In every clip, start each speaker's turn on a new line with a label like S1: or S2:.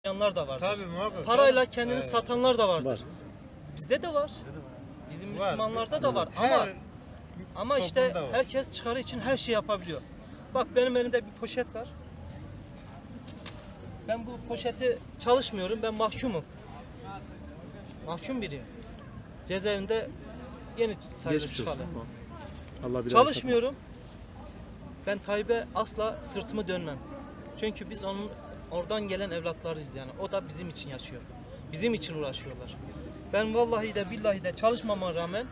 S1: Yanlar da vardır.
S2: Tabii muhakkak.
S1: Parayla kendini satanlar da vardır.
S3: Var.
S1: Bizde de var. Bizim
S2: Var.
S1: Müslümanlarda da var. Ama işte
S2: toplumda var.
S1: herkes çıkarı için her şeyi yapabiliyor. Bak benim elimde bir poşet var. Ben bu poşeti çalışmıyorum. Ben mahkumum. Mahkum biriyim. Cezaevinde yeni sayılır
S3: Geçmiş
S1: çıkalı.
S3: olsun. Allah bir
S1: Çalışmıyorum. Ben Tayyip'e asla sırtımı dönmem. Çünkü biz onun oradan gelen evlatlarıyız yani. O da bizim için yaşıyor. Bizim için uğraşıyorlar. Ben vallahi de billahi de çalışmama rağmen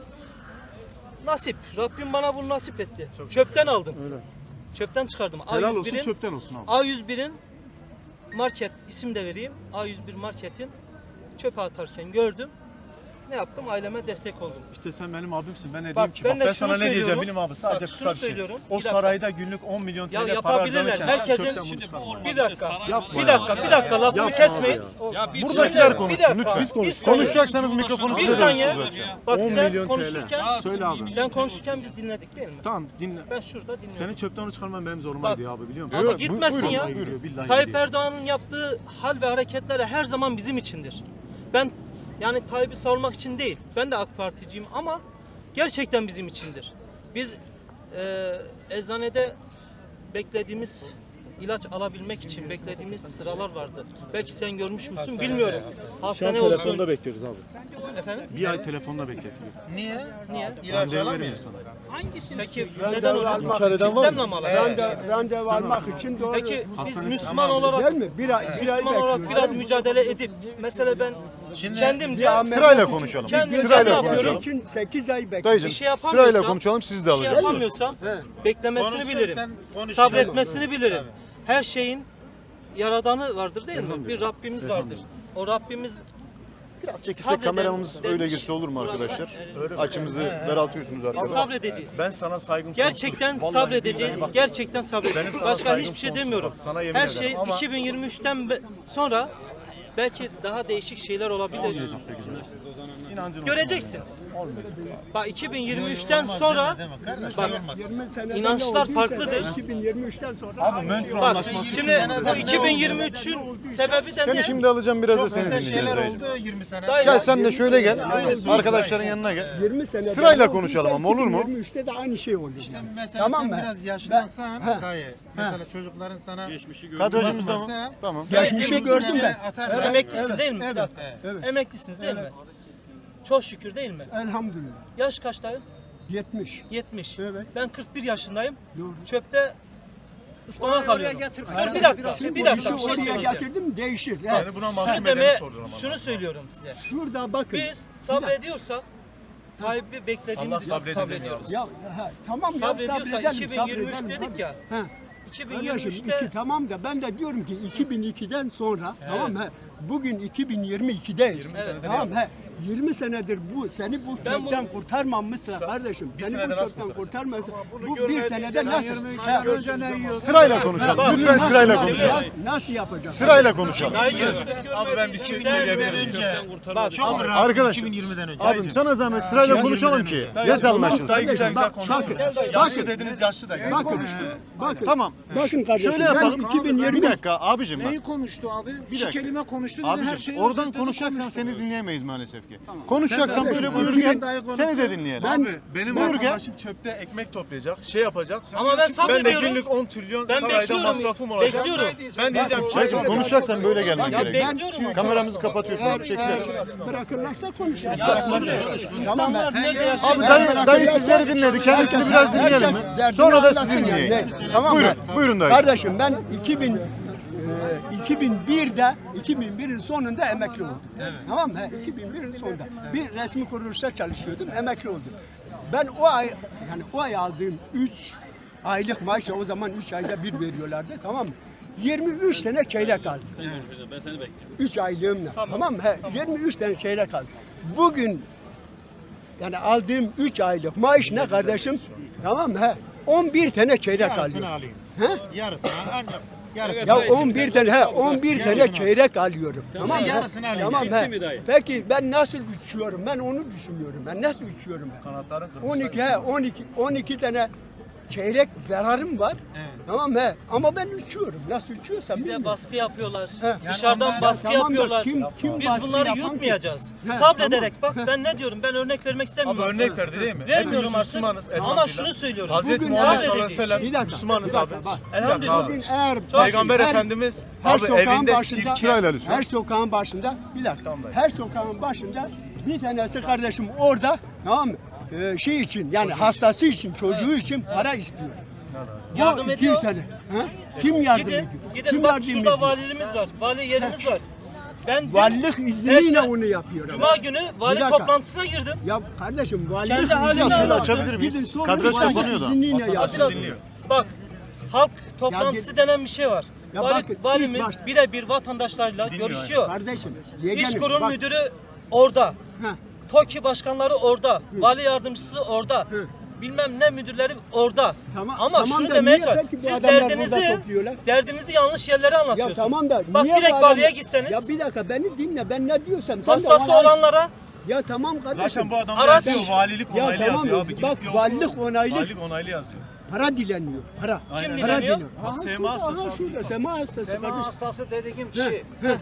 S1: nasip. Rabbim bana bunu nasip etti. Çöpten aldım.
S3: Öyle.
S1: Çöpten çıkardım.
S3: Helal olsun, çöpten olsun abi.
S1: A101'in market isim de vereyim. A101 marketin çöpe atarken gördüm. Ne yaptım? Aileme destek oldum.
S3: İşte sen benim abimsin. Ben ne
S1: Bak,
S3: diyeyim ki?
S1: ben de
S3: Ben
S1: şunu
S3: sana ne diyeceğim
S1: söylüyorum.
S3: bilim abi? Sadece
S1: Bak,
S3: kısa
S1: şunu
S3: bir şey.
S1: söylüyorum.
S3: O
S1: Bir dakika.
S3: sarayda günlük 10 milyon
S1: Ya
S3: TL para
S1: yapabilirler.
S3: harcanırken
S1: Herkesin
S3: çöpten bunu çıkarma.
S1: bir dakika.
S3: Yapma
S1: Bir
S3: ya.
S1: dakika lafımı
S3: Yapma
S1: kesmeyin.
S3: abi ya.
S1: Buradakiler
S3: Buradakiler konuşsun lütfen.
S1: Biz konuş.
S3: Konuşacaksanız mikrofonu
S1: Bir
S3: size
S1: saniye.
S3: veriyorsunuz.
S1: Bak
S3: 10
S1: sen
S3: milyon TL.
S1: konuşurken
S3: Söyle abi.
S1: sen konuşurken biz dinledik değil mi?
S3: Tamam dinle.
S1: Ben şurada dinliyorum.
S3: Seni çöpten çıkarman benim zoruma gidiyor abi biliyor musun?
S1: Ama gitmesin ya.
S3: Vallahi gidiyor, billahi
S1: Tayyip
S3: gidiyor.
S1: Erdoğan'ın yaptığı hal ve hareketleri her zaman bizim içindir. Ben yani Tayyip'i savunmak için değil. Ben de AK Particiyim ama gerçekten bizim içindir. Biz eczanede beklediğimiz ilaç alabilmek için beklediğimiz sıralar vardı. Belki sen görmüş müsün bilmiyorum.
S3: Şu an
S1: Hastane
S3: telefonda
S1: olsun.
S3: bekliyoruz abi.
S1: Efendim?
S3: Bir ay telefonda bekletiyor.
S2: Niye?
S1: Niye?
S2: İlaç
S3: Randevu
S2: alamıyor.
S3: veremiyor sana.
S1: Peki neden öyle?
S3: İçeriden var mı?
S1: Sistemle mi alakalı?
S4: Randevu almak için doğru.
S1: Peki biz
S3: Hastanesi-
S1: Müslüman olarak
S4: Değil mi? Bir ay
S1: Müslüman olarak biraz mücadele edip mesela ben
S2: Şimdi
S1: kendimce
S5: Sırayla konuşalım.
S1: Kendimce
S5: Sırayla
S1: ne yapıyorum?
S5: konuşalım.
S4: için 8 ay bekliyor.
S5: Dayıcım
S1: Bir şey yapamıyorsam,
S5: sırayla konuşalım siz de
S1: bir şey
S5: alacağız.
S1: yapamıyorsam beklemesini
S2: Konuşsun,
S1: bilirim.
S2: sen konuş.
S1: Sabretmesini bilirim. Her şeyin yaradanı vardır değil mi? Bir Rabbimiz vardır. O Rabbimiz
S5: Biraz çekilsek
S1: sabreden
S5: kameramız öyle
S1: demiş.
S5: girse olur mu arkadaşlar?
S1: Buralar-
S5: Açımızı daraltıyorsunuz
S1: Biz
S5: arkadaşlar.
S1: sabredeceğiz.
S3: Ben sana saygım
S1: Gerçekten
S3: sonsuz. Vallahi
S1: sabredeceğiz.
S3: billahi bak.
S1: Gerçekten
S3: Benim
S1: sabredeceğiz.
S3: sana
S1: Başka
S3: saygım
S1: hiçbir şey
S3: sonsuz.
S1: demiyorum.
S3: Bak, sana yemin
S1: Her
S3: ederim.
S1: şey
S3: Ama-
S1: 2023'ten sonra belki daha değişik şeyler olabilir.
S3: Olmayacak be güzel. İnancın olsun
S1: Göreceksin.
S3: abi. Olmayacak.
S1: Bak 2023'ten sonra
S2: deme kardeş,
S1: bak,
S2: olmaz.
S4: 20 seneden
S1: İnançlar
S4: olduysa
S1: farklıdır.
S4: 2023'ten sonra
S3: Abi Montreux
S1: bak
S3: Anlaşması
S1: şimdi bu 2023'ün sebebi de
S5: Seni
S1: ne?
S5: şimdi alacağım biraz da
S2: Çok
S5: seni
S2: öte
S5: dinleyeceğiz.
S2: şeyler
S5: dayıcım.
S2: oldu 20 sene.
S1: Dayı-
S5: Gel sen de şöyle gel.
S2: Aynısı
S5: Arkadaşların yanına gel.
S4: 20 seneden
S5: Sırayla
S4: olduysa
S5: konuşalım ama olur mu?
S4: 2023'te de aynı şey oldu. yani.
S2: Mesela
S4: Tamam
S2: sen
S4: mı?
S2: biraz yaşlansan
S4: Ha.
S2: Gaye. Mesela çocukların sana
S5: Kadrajımız da mı?
S2: bakmasa-
S5: Tamam.
S4: Geçmişi gördüm ben.
S2: Atar.
S1: Emeklisin değil mi? Bir
S4: Evet.
S1: dakika.
S4: Evet.
S1: Emeklisiniz değil mi? Çok şükür değil mi?
S4: Elhamdülillah.
S1: Yaş kaç dayı?
S4: 70.
S1: 70.
S4: Evet.
S1: Ben 41 yaşındayım.
S4: Doğru.
S1: Çöpte ıspanak alıyorum. Dur bir dakika. Bir dakika bir şey
S4: oraya
S1: söyleyeceğim.
S4: getirdim değişir.
S3: Seni buna mahkum
S1: Şunu
S3: edeni
S1: deme,
S3: sordun ama.
S1: şunu söylüyorum size.
S4: Şurada bakın.
S1: Biz sabrediyorsak Tayyip'i beklediğimiz
S3: Allah
S1: için
S3: sabredeni
S1: sabrediyoruz.
S4: Ya tamam ya
S1: Sabrediyorsa
S4: sabredelim,
S1: 2023
S4: sabredelim.
S1: dedik ya.
S4: Ha. Kardeşim
S1: 2023'te
S4: iki tamam da ben de diyorum ki 2002'den sonra tamam mı? Bugün 2022'deyiz. Tamam he. 20 senedir bu seni bu
S1: Ben
S4: çöpten
S1: bunu-
S4: kurtarmamışsa kardeşim seni
S3: senede
S4: bu
S3: nasıl
S4: çöpten
S3: kurtaracak?
S4: kurtarmasa bu bir senede nasıl
S5: Sırayla konuşalım. Lütfen sırayla konuşalım.
S4: nasıl yapacağız?
S5: Sırayla konuşalım.
S1: Dayıcığım,
S3: Abi ben bir şey söyleyebilirim.
S2: Çok rahat
S5: Arkadaşlar,
S2: 2020'den önce.
S5: Abim sana zahmet sırayla konuşalım ki. Ses anlaşılsın.
S3: Dayı güzel güzel
S4: Bak,
S3: konuştun.
S4: bakın,
S3: Yaşlı
S4: bakın.
S3: dediniz yaşlı da.
S4: Bakın.
S5: Tamam.
S4: Bakın kardeşim.
S5: Şöyle yapalım.
S4: Ben 2020
S5: Bir dakika abicim bak.
S6: Neyi konuştu abi? Bir
S5: dakika.
S6: kelime konuştu dedi her
S5: Abicim
S6: şeyi
S5: oradan
S6: özetledi,
S5: konuşacaksan
S6: konuştu.
S5: seni dinleyemeyiz maalesef ki. Konuşacaksan böyle buyur
S4: konuşun,
S5: gel. Seni de dinleyelim.
S3: Abi benim
S5: Buyur gel.
S3: arkadaşım çöpte ekmek toplayacak, şey yapacak.
S1: Ama ben
S3: Ben de
S1: sabrediyorum.
S3: günlük 10 trilyon
S1: Ben
S3: sarayda
S1: bekliyorum.
S3: masrafım olacak.
S1: Bekliyorum.
S3: Ben diyeceğim ki
S5: Dayıcım konuşacaksan böyle gelmen
S1: Ya
S5: gerekiyor.
S1: bekliyorum ama.
S5: Kameramızı kapatıyorsun. Teşekkürler.
S4: bırakırlarsa konuşuruz.
S1: İnsanlar nerede yaşıyor?
S5: Abi dayı sizleri dinledi. Kendisini biraz dinleyelim mi? Sonra da sizi dinleyelim.
S4: Tamam mı?
S5: Buyurun dayı.
S4: Kardeşim ben 2001'in sonunda emekli oldum. Tamam mı? 2001'in sonunda. Bir resmi kuruluşta çalışıyordum, emekli oldum. Ben o ay aldığım 3 aylık maaşı o zaman 3 ayda bir veriyorlardı, tamam mı? 23 tane çeyrek aldım. 3 aylığımla. Tamam mı? 23 tane çeyrek aldım. Bugün yani aldığım 3 aylık maaş ne kardeşim? Tamam mı? 11 tane çeyrek
S2: Yarısını
S4: alıyorum.
S2: alayım.
S4: He?
S2: Yarısını ancak. Yarısını.
S4: Ya 11 tane 11 tane çeyrek alıyorum. Tamam mı?
S2: yarısını alayım.
S4: Tamam he. Peki ben nasıl uçuyorum? Ben onu düşünüyorum. Ben nasıl uçuyorum ben?
S3: kanatların kırmışlar.
S4: 12 tane çeyrek zararım var. Tamam mı? Ama ben uçuyorum. Nasıl uçuyorsam
S1: Bize
S4: bilmiyorum.
S1: baskı yapıyorlar.
S4: He.
S1: Dışarıdan
S4: Ya
S1: baskı
S4: tamam da
S1: yapıyorlar.
S4: kim
S1: Biz
S4: baskı
S1: bunları
S4: yapan ki?
S1: yutmayacağız.
S4: He,
S1: Sabrederek bak ben ne diyorum? Ben örnek vermek istemiyorum.
S3: Abi örnek verdi değil mi?
S1: Vermiyorum
S3: Hepimiz
S1: artık.
S3: Müslümanız.
S1: Ama
S3: elhamdülillah.
S1: şunu söylüyorum.
S3: Hazreti
S4: Bugün
S3: Muhammed
S1: sadece-
S3: sallallahu aleyhi ve sellem
S4: Bir dakika,
S3: Müslümanız
S4: bir dakika,
S3: abi.
S4: bak.
S1: Elhamdülillah.
S4: Bugün eğer
S3: Peygamber
S4: her-
S3: Efendimiz
S4: her
S3: abi
S4: sokağın
S3: evinde
S4: başında,
S3: sirke.
S5: Sırayla lütfen.
S4: her sokağın başında bir dakika.
S3: Tamam dayı.
S4: Her sokağın başında bir tanesi kardeşim orada, tamam mı? Şey için yani hastası için, çocuğu için para istiyor.
S1: Yardım
S4: Bu
S1: ediyor.
S4: 200 sene. Ha? Kim yardım ediyor?
S1: Gidin
S4: Kim
S1: bak
S4: yardım
S1: şurada
S4: ediyor?
S1: valiliğimiz var. Vali yerimiz var. Ben
S4: Valilik izniyle
S1: Perşembe-
S4: onu yapıyor.
S1: Cuma günü vali
S4: Bir dakika.
S1: toplantısına girdim.
S4: Ya kardeşim valilik
S1: Kendi haline
S4: izniyle
S1: şöyle
S5: açabilir miyiz?
S4: Gidin sorun,
S5: Kadres
S4: valilik
S5: kapanıyor da.
S4: izniyle
S1: Biraz
S4: yapıyor.
S3: dinliyor.
S1: bak halk toplantısı denen bir şey var.
S4: Ya bakın,
S1: Valimiz
S4: ilk baş-
S1: birebir vatandaşlarla görüşüyor.
S4: Kardeşim,
S1: İş
S4: yeğenim,
S1: kurum
S4: bak-
S1: müdürü orada.
S4: Ha.
S1: TOKİ başkanları orada. Vali yardımcısı orada.
S4: Hı.
S1: Bilmem ne müdürleri orada.
S4: Tamam,
S1: Ama
S4: tamam
S1: şunu
S4: da
S1: demeye
S4: niye
S1: çalışıyorum.
S4: peki bu
S1: Siz
S4: adamlar burada
S1: derdinizi
S4: topluyorlar?
S1: yanlış yerlere
S4: Ya
S1: anlatıyorsunuz.
S4: tamam da
S1: Bak
S4: niye
S1: direkt
S4: bu adam-
S1: valiye gitseniz
S4: Ya bir dakika beni dinle, ben ne diyorsam sen de
S1: hastası
S4: bana-
S1: olanlara
S4: Ya tamam kardeşim.
S3: Zaten bu adamlar
S1: Araç-
S3: yazıyor. Valilik
S4: Ya
S3: onaylı
S4: tamam,
S3: yazıyor abi. Gidip
S4: bak,
S3: bir oku.
S4: valilik onaylı.
S3: Valilik onaylı yazıyor.
S4: Para dileniyor, para.
S1: Kim
S4: Para
S1: dileniyor?
S4: Aha,
S3: Sema
S4: şurada,
S3: hastası
S4: aha,
S3: abi.
S4: şurada, sema hastası.
S6: Sema
S4: kardeşim.
S6: hastası dediğim
S4: He,
S6: kişi.
S4: he.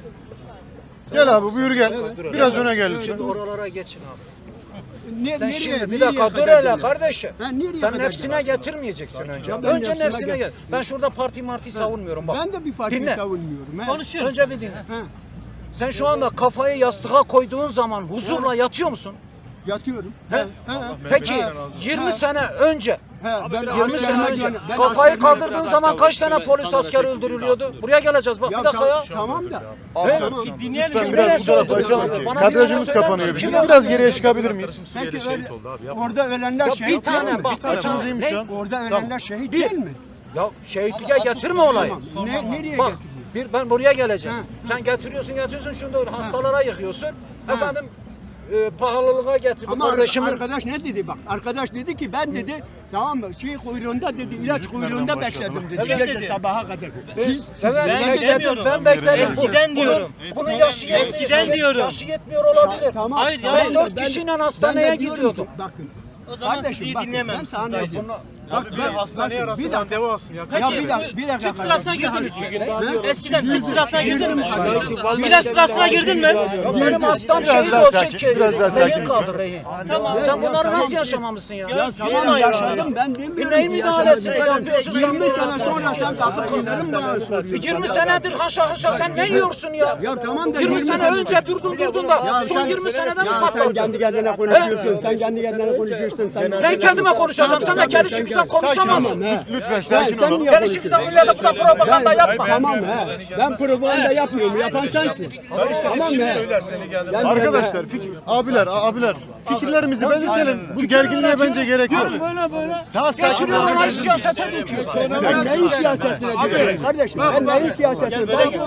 S5: Gel abi buyur gel. Biraz öne gel lütfen.
S6: Şimdi oralara geçin abi.
S4: Sen
S6: Sen şimdi bir
S4: nereye
S6: dakika dur
S4: kadar
S6: hele
S4: gidiyor?
S6: kardeşim.
S4: Ha, nereye
S6: Sen
S4: kadar
S6: nefsine
S4: gidiyor?
S6: getirmeyeceksin önce.
S4: Ya ben
S6: Önce
S4: nefsime
S6: nefsine gel.
S4: gel.
S6: Ben şurada parti savunmuyorum bak.
S4: Ben de bir partiyi
S6: Dinle.
S4: savunmuyorum. he.
S1: konuşuyoruz.
S6: Önce bir dinle.
S4: He,
S6: Sen şu anda kafayı yastığa koyduğun zaman huzurla yatıyor musun?
S4: yatıyorum.
S6: He?
S4: He.
S6: Peki
S3: Mehmet razı olsun.
S6: 20 sene önce
S4: He, ben
S6: 20 sene
S4: askerime
S6: önce
S4: gönderdim. Ben
S6: kafayı
S4: askerime-
S6: kaldırdığın zaman kaç tane polis asker öldürülüyordu? Buraya geleceğiz bak bir dakika ya.
S4: Tamam da.
S5: Abiler,
S4: Tamam.
S1: Dinleyelim.
S5: lütfen
S6: Şimdi
S5: biraz
S6: ne
S5: bu tarafa
S6: söyledi?
S5: açalım ki.
S6: Bana
S5: Kadrajımız
S6: bir yana
S5: kapanıyor.
S6: söyler
S5: Bizim
S6: misin?
S5: biraz geriye çıkabilir miyiz?
S3: Suriyeli
S4: Peki
S3: şehit
S4: öyle-
S3: oldu abi. Yapma.
S4: Orada ölenler
S6: Ya
S4: şehit
S6: bir tane
S4: değil mi?
S6: bak
S5: Kaçımız iyiymiş şu an?
S4: Orada
S5: Tamam.
S4: ölenler şehit
S6: Bir.
S4: değil mi?
S6: Ya şehitliğe getirme olayı.
S4: Tamam. Nereye
S6: Bak
S4: getiriyor?
S6: ben buraya geleceğim.
S4: Ha.
S6: Sen getiriyorsun şunu da öyle hastalara yıkıyorsun. Efendim pahalılığa getir. Bu
S4: Ama
S6: kardeşimin
S4: arkadaş ne dedi bak? Arkadaş dedi ki ben dedi tamam mı şey kuyruğunda dedi ilaç kuyruğunda bekledim dedi.
S1: Evet
S4: Gece
S1: dedi.
S4: sabaha kadar. Siz
S6: evet,
S1: Ben
S6: bekledim,
S1: demiyorum.
S6: ben bekledim.
S1: Eskiden diyorum.
S6: Bunu yaşı
S1: Eskiden diyorum.
S6: Yaşı yetmiyor olabilir.
S4: tamam.
S1: Hayır,
S4: tamam
S1: hayır.
S4: da
S6: 4 kişiyle
S4: ben
S6: hastaneye
S4: de diyorum
S6: gidiyordum.
S4: ki, bakın.
S1: O zaman
S4: Kardeşim,
S1: sizi iyi
S4: bakın,
S1: dinlememişsiniz
S4: ben sana
S1: dayıcım.
S3: Abi bir hastaneye
S4: bakın, bir
S3: arasından
S4: dakika.
S3: deva alsın ya.
S1: Peki,
S4: Ya bir dakika.
S1: tüp sırasına girdiniz mi?
S4: Ne?
S1: Eskiden tüp sırasına girdin mi?
S4: Kardeşim.
S1: İlaç sırasına girdin mi?
S6: Ya benim hastam
S5: Biraz
S6: şehit
S5: daha
S6: olacak
S5: sakin,
S6: ki.
S5: biraz daha sakin
S6: Rehin kaldı rehin.
S1: Tamam.
S6: Sen bunları
S4: tamam.
S6: nasıl yaşamamışsın ya?
S1: Ya
S4: Tamam yaşadım ben demiyorum
S6: neyin
S4: ki
S6: müdahalesi
S4: yaşamadım.
S6: yapıyorsun sen
S4: 20
S6: bu
S4: sene
S6: arada?
S4: sonra sen kapatırların bana soruyorsun.
S6: 20 senedir haşa haşa sen ne yiyorsun ya?
S4: Ya tamam da
S6: 20 sene önce durdun da son 20 senede mi
S4: Ya sen
S6: patladın?
S4: kendi kendine konuşuyorsun. Sen kendi kendine konuşuyorsun. Sen
S6: Ben kendime konuşacağım. Sen de gelişimizden konuşamazsın.
S5: Lütfen sakin olun.
S4: niye
S6: Gelişimizden millete bu da propaganda yapma.
S4: Tamam he. Ben propaganda yapmıyorum. Yapan sensin. Tamam
S3: Şimdi
S4: he.
S3: söyler seni geldi.
S4: Yani
S5: Arkadaşlar abiler fikirlerimizi belirtelim. Bu gerginliğe bence gerek yok. Daha sakin
S6: Getiriyor
S5: olun.
S6: olay siyasete döküyor.
S4: ben neyin siyasetine diyorum kardeşim? Ben neyin siyasetine?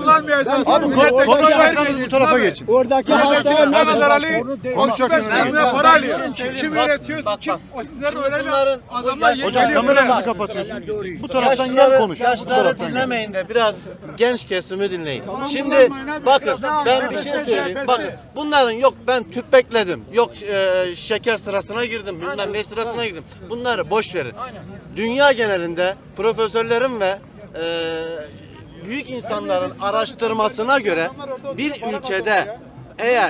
S5: Abi konuşacaksanız bu tarafa geçin.
S4: Oradaki hastane
S2: Mehmet Ali
S5: Konuşacaksınız.
S2: para alıyor. Kim üretiyor? Kim? O sizler öyle adamlar
S5: Hocam kameranızı kapatıyorsun. Bu taraftan gel konuş. Bu
S7: Yaşları
S5: taraftan gel.
S7: dinlemeyin de biraz genç kesimi dinleyin. Şimdi bakın ben bir şey söyleyeyim. Bakın bunların yok ben tüp bekledim. Yok şeker sırasına girdim. Bilmem ne sırasına girdim. Bunları boş verin. Dünya genelinde profesörlerin ve büyük insanların araştırmasına göre bir ülkede eğer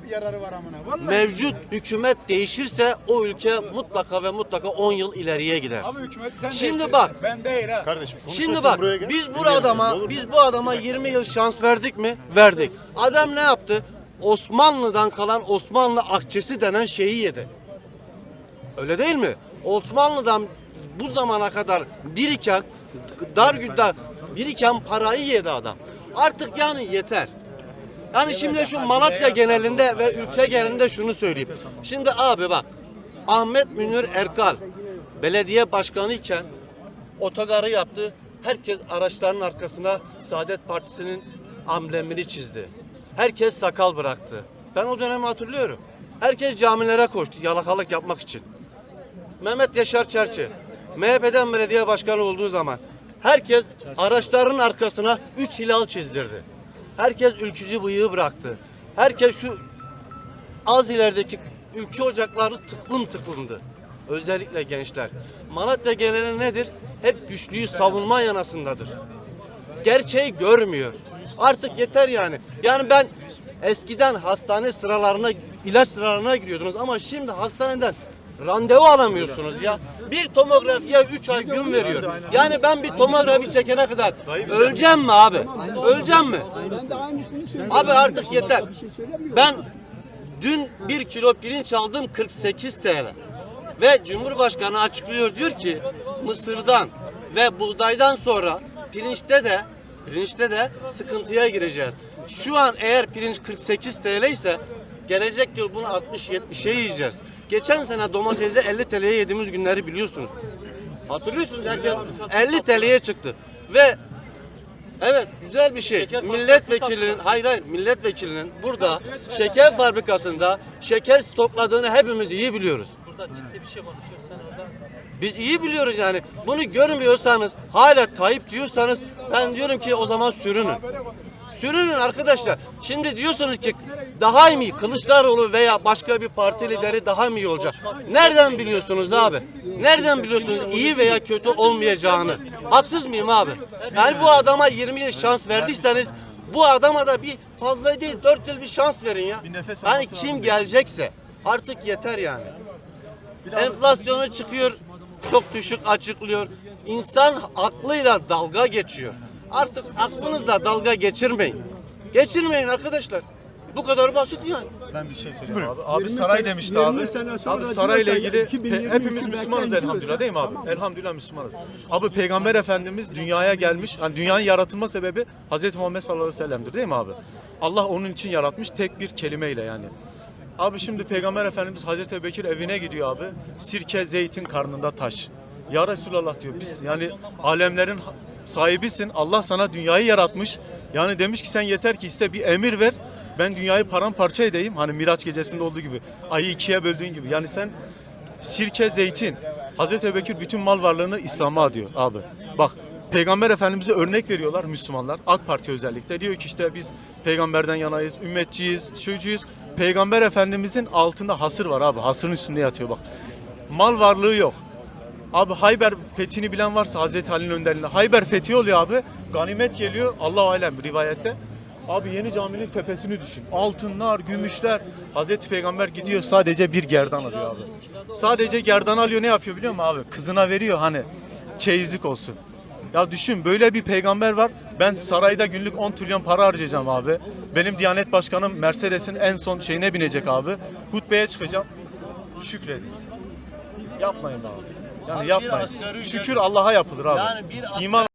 S7: mevcut hükümet değişirse o ülke mutlaka ve mutlaka 10 yıl ileriye gider. Şimdi bak
S2: Ben değil ha.
S5: Kardeşim
S7: Şimdi
S5: konuşursan
S7: bak
S5: buraya gel.
S7: biz bu adama 20 yıl şans verdik mi? Verdik. Adam ne yaptı? Osmanlı'dan kalan Osmanlı akçesi denen şeyi yedi. Öyle değil mi? Osmanlı'dan bu zamana kadar biriken biriken parayı yedi adam. Artık yani yeter. Yani şimdi şu Malatya genelinde ve ülke genelinde şunu söyleyeyim. Şimdi abi bak Ahmet Münir Erkal belediye başkanı iken otogarı yaptı. Herkes araçların arkasına Saadet Partisi'nin amblemini çizdi. Herkes sakal bıraktı. Ben o dönemi hatırlıyorum. Herkes camilere koştu yalakalık yapmak için. Mehmet Yaşar Çerçi MHP'den belediye başkanı olduğu zaman herkes araçların arkasına 3 hilal çizdirdi. Herkes ülkücü bıyığı bıraktı. Herkes şu az ilerideki ülke ocakları tıklımdı. Özellikle gençler. Malatya geneli nedir? Hep güçlüyü savunma yanasındadır. Gerçeği görmüyor. Artık yeter yani. Yani ben eskiden hastane sıralarına, ilaç sıralarına giriyordunuz ama şimdi hastaneden randevu alamıyorsunuz ya. Bir tomografiye 3 ay gün veriyor. Yani ben bir tomografi çekene kadar öleceğim mi abi? Öleceğim mi?
S4: Ben de aynısını söylüyorum.
S7: Abi artık yeter.
S4: Bir şey söylemiyorum.
S7: Ben dün 1 kilo pirinç aldım 48 TL. Ve Cumhurbaşkanı açıklıyor, diyor ki mısırdan ve buğdaydan sonra pirinçte de sıkıntıya gireceğiz. Şu an eğer pirinç 48 TL ise gelecek yıl bunu 60-70'e yiyeceğiz. Geçen sene domatesi 50 TL'ye yediğimiz günleri biliyorsunuz. Hatırlıyorsunuz derken 50 TL'ye çıktı. Ve evet, güzel bir şey.
S1: Şeker
S7: Milletvekilinin, milletvekilinin burada şeker fabrikasında şeker stokladığını hepimiz iyi biliyoruz.
S1: Burada ciddi bir şey konuşuyor sen orada.
S7: Biz iyi biliyoruz yani. Bunu görmüyorsanız, hala Tayyip diyorsanız ben diyorum ki o zaman sürünün. Sürünün arkadaşlar. Şimdi diyorsunuz ki daha iyi mi Kılıçdaroğlu veya başka bir parti lideri daha mı iyi olacak? Nereden biliyorsunuz abi? Nereden biliyorsunuz iyi veya kötü olmayacağını? Haksız mıyım abi? Yani bu adama 20 yıl şans verdiyseniz bu adama da bir fazla değil 4 yıl bir şans verin ya. Yani kim gelecekse artık yeter yani. Enflasyonu çıkıyor, çok düşük açıklıyor. İnsan aklıyla dalga geçiyor. Artık aklınızla dalga geçirmeyin. Geçirmeyin arkadaşlar. Bu kadar basit yani.
S3: Ben bir şey söyleyeyim abi. Abi saray demişti abi.
S4: 20 sene sonra
S3: Abi sarayla
S4: diyorsa
S3: ilgili
S4: 2023
S3: hepimiz Müslümanız
S4: belki
S3: elhamdülillah değil mi abi? Elhamdülillah Müslümanız. Abi Peygamber Efendimiz dünyaya gelmiş. Yani dünyanın yaratılma sebebi Hazreti Muhammed sallallahu aleyhi ve sellem'dir değil mi abi? Allah onun için yaratmış tek bir kelimeyle yani. Abi şimdi Peygamber Efendimiz Hazreti Ebubekir evine gidiyor abi. Sirke zeytin karnında taş. Ya Resulallah diyor biz yani alemlerin sahibisin. Allah sana dünyayı yaratmış. Yani demiş ki sen yeter ki iste bir emir ver. Ben dünyayı paramparça edeyim. Hani Miraç gecesinde olduğu gibi. Ayı ikiye böldüğün gibi. Yani sen sirke zeytin. Hazreti Ebubekir bütün mal varlığını İslam'a adıyor abi. Bak Peygamber Efendimiz'e örnek veriyorlar Müslümanlar. AK Parti özellikle. Diyor ki işte biz peygamberden yanayız, ümmetçiyiz, şuycuyuz. Peygamber Efendimiz'in altında hasır var abi. Hasırın üstünde yatıyor bak. Mal varlığı yok. Abi Hayber fethini bilen varsa Hazreti Ali'nin önderliğinde. Hayber fethi oluyor abi. Ganimet geliyor. Allah-u alem rivayette. Abi yeni caminin tepesini düşün. Altınlar, gümüşler. Hazreti Peygamber gidiyor sadece bir gerdan alıyor abi. Sadece gerdan alıyor, ne yapıyor biliyor musun abi? Kızına veriyor hani çeyizlik olsun. Ya düşün böyle bir peygamber var. Ben sarayda günlük 10 trilyon para harcayacağım abi. Benim Diyanet Başkanım Mercedes'in en son şeyine binecek abi. Hutbeye çıkacağım. Şükredin. Yapmayın abi. Yani
S7: Abi bir
S3: yapmayın.
S7: asgari ücret-
S3: Şükür Allah'a yapılır abi.
S7: Yani bir asgari-
S3: İman